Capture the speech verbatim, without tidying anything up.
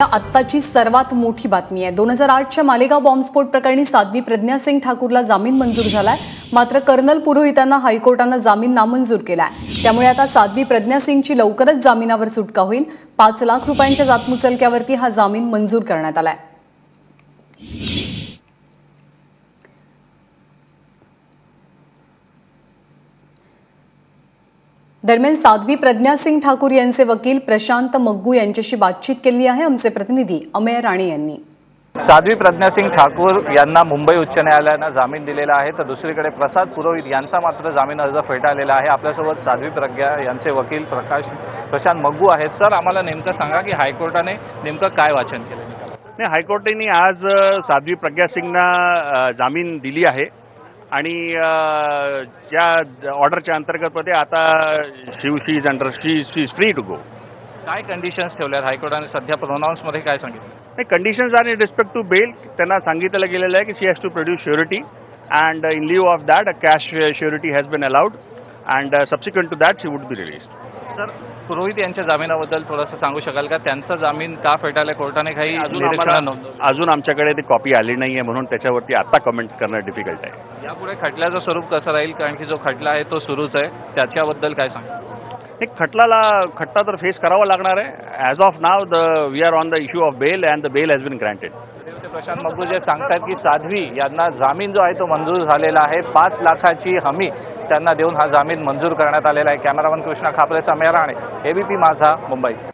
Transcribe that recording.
आत्ताची सर्वात मोठी बातमी आहे। दोन हजार आठच्या मालेगाव बॉम्बस्फोट प्रकरणी साध्वी प्रज्ञा सिंग ठाकूरला जामीन मंजूर झालाय। मात्र कर्नल पुरोहितांना हायकोर्टाने जामीन नामंजूर केलाय। त्यामुळे आता साध्वी प्रज्ञा सिंगची लवकरच जामिनावर सुटका होईल। पाच लाख रुपयांच्या जातमुचलक्यावरती हा जामीन मंजूर करण्यात आलाय। दरम्यान साध्वी प्रज्ञा सिंग ठाकूर यांचे वकील प्रशांत मग्गू यांच्याशी बातचीत केली आहे आमचे प्रतिनिधी अमेय राणे यांनी। साध्वी प्रज्ञा सिंग ठाकूर यांना मुंबई उच्च न्यायालयाने जामीन दिलेला आहे, तर दुसरीकडे प्रसाद पुरोहित यांचा मात्र जामीन अर्ज फेटाळलेला आहे। आपल्यासोबत साध्वी प्रज्ञा यांचे वकील प्रकाश प्रशांत मग्गू आहेत। सर, आम्हाला नेमकं सांगा की हायकोर्टाने नेमकं काय वाचन केलं? नाही, हायकोर्टाने आज साध्वी प्रज्ञा सिंगना जामीन दिली आहे आणि ज्या ऑर्डरच्या अंतर्गत मध्ये आता शिव she is under she she free to go. काय कंडिशन्स ठेवल्यात हायकोर्टाने? सध्या प्रोनाउन्स मध्ये काय सांगितलं? नाही, conditions are in respect to bail त्यांना सांगितलं गेलेलं आहे की she has to produce surety and in lieu of that a cash surety has been allowed and subsequent to that she would be released. Sir, Purohit यांच्या जामिनाबद्दल थोडंसं सांगू शकाल का? त्यांचा जामीन का फेटाळला कोर्टाने? काही अजून अजून आमच्याकडे ती कॉपी आली नाहीये, म्हणून त्याच्यावरती आता कमेंट करणं डिफिकल्ट आहे। यापुढे खटल्याचं स्वरूप कसं राहील? कारण की जो खटला आहे तो सुरूच आहे, त्याच्याबद्दल काय सांगा? एक खटलाला खटला तर फेस करावा लागणार आहे। As of now the we are on the issue of bail and the bail has been granted. Prashant Maggu जे सांगतात की साध्वी यांना जामीन जो आहे तो मंजूर झालेला आहे। पाच लाखाची हमी त्यांना देऊन हा जामीन मंजूर करण्यात आलेला आहे। Cameraman Krishna Khapre, Amey Rane, ABP Majha, Mumbai.